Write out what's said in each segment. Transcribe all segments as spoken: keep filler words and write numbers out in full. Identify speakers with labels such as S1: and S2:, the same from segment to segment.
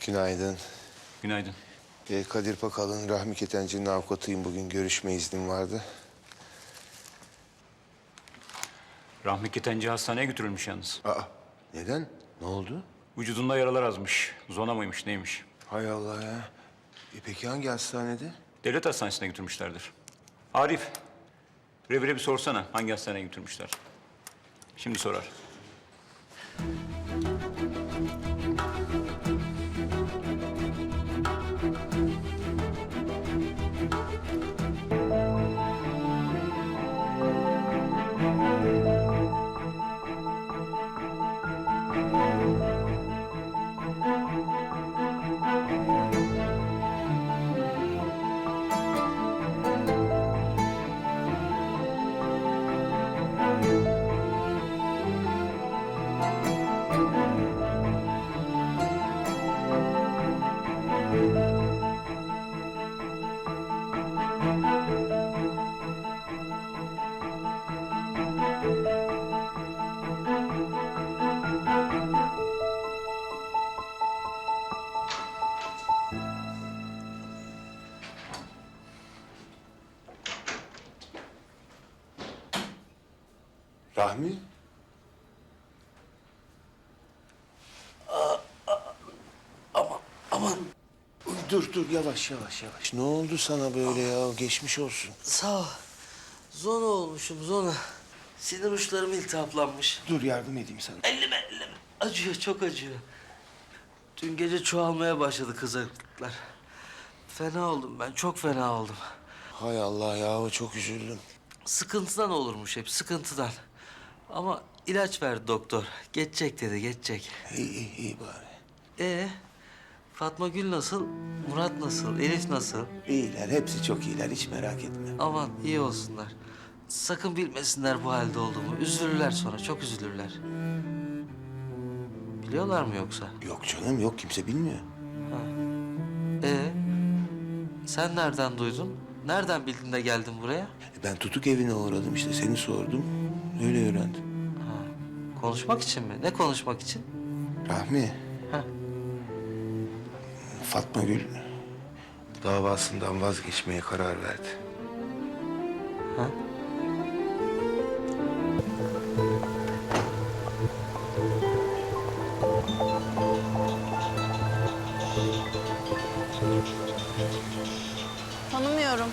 S1: Günaydın.
S2: Günaydın.
S1: Ee, Kadir Pakal'ın Rahmi Ketenci'nin avukatıyım. Bugün görüşme iznim vardı.
S2: Rahmi Ketenci hastaneye götürülmüş yalnız.
S1: Aa, neden? Ne oldu?
S2: Vücudunda yaralar azmış. Zona mıymış neymiş?
S1: Hay Allah ya. E peki hangi hastanede?
S2: Devlet hastanesine götürmüşlerdir. Arif, revire bir sorsana hangi hastaneye götürmüşler. Şimdi sorar.
S1: Rahmi?
S3: Aman, aman.
S1: Uy, dur dur yavaş yavaş yavaş. Ne oldu sana böyle ya? Geçmiş olsun.
S3: Sağ ol. Zona olmuşum, zona. Sinir uçlarım iltihaplanmış.
S1: Dur yardım edeyim sana.
S3: Elleme, elleme. Acıyor, çok acıyor. Dün gece çoğalmaya başladı kızarıklıklar. Fena oldum ben, çok fena oldum.
S1: Hay Allah ya çok üzüldüm.
S3: Sıkıntıdan olurmuş hep, sıkıntıdan. Ama ilaç verdi doktor. Geçecek dedi, geçecek.
S1: İyi iyi iyi bari.
S3: Ee, Fatma Gül nasıl? Murat nasıl? Elif nasıl?
S1: İyiler hepsi çok iyiler hiç merak etme.
S3: Aman iyi olsunlar. Sakın bilmesinler bu halde olduğumu. Üzülürler sonra, çok üzülürler. Biliyorlar mı yoksa?
S1: Yok canım yok kimse bilmiyor.
S3: Ee, sen nereden duydun? Nereden bildin de geldin buraya?
S1: E, Ben tutuk evine uğradım işte seni sordum. Öyle öğrendim.
S3: Konuşmak için mi? Ne konuşmak için?
S1: Rahmi.
S3: Ha.
S1: Fatma Gül davasından vazgeçmeye karar verdi.
S3: Ha?
S4: Tanımıyorum.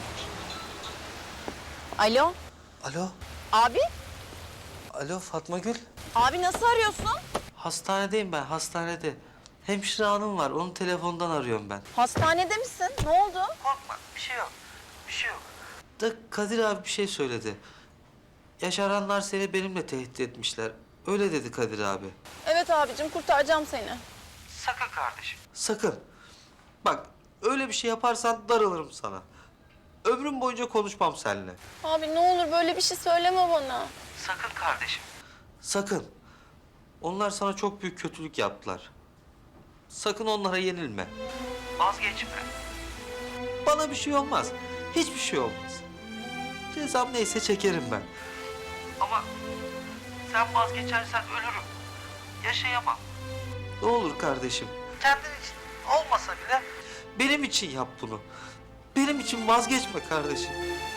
S4: Alo,
S3: Alo,
S4: abi?
S3: alo Fatma Gül.
S4: Abi nasıl arıyorsun?
S3: Hastanedeyim ben, hastanede. Hemşire hanım var, onun telefondan arıyorum ben.
S4: Hastanede misin? Ne oldu?
S3: Korkma, bir şey yok. Bir şey yok. Da Kadir abi bir şey söyledi. Yaşaranlar seni benimle tehdit etmişler. Öyle dedi Kadir abi.
S4: Evet abicim, kurtaracağım seni.
S3: Sakın kardeşim. Sakın. Bak öyle bir şey yaparsan darılırım sana. Ömrüm boyunca konuşmam seninle.
S4: Abi ne olur böyle bir şey söyleme bana.
S3: Sakın kardeşim. Sakın. Onlar sana çok büyük kötülük yaptılar. Sakın onlara yenilme. Vazgeçme. Bana bir şey olmaz. Hiçbir şey olmaz. Cezam neyse çekerim ben. Ama sen vazgeçersen ölürüm. Yaşayamam. Ne olur kardeşim. Kendin için olmasa bile benim için yap bunu. Benim için vazgeçme kardeşim.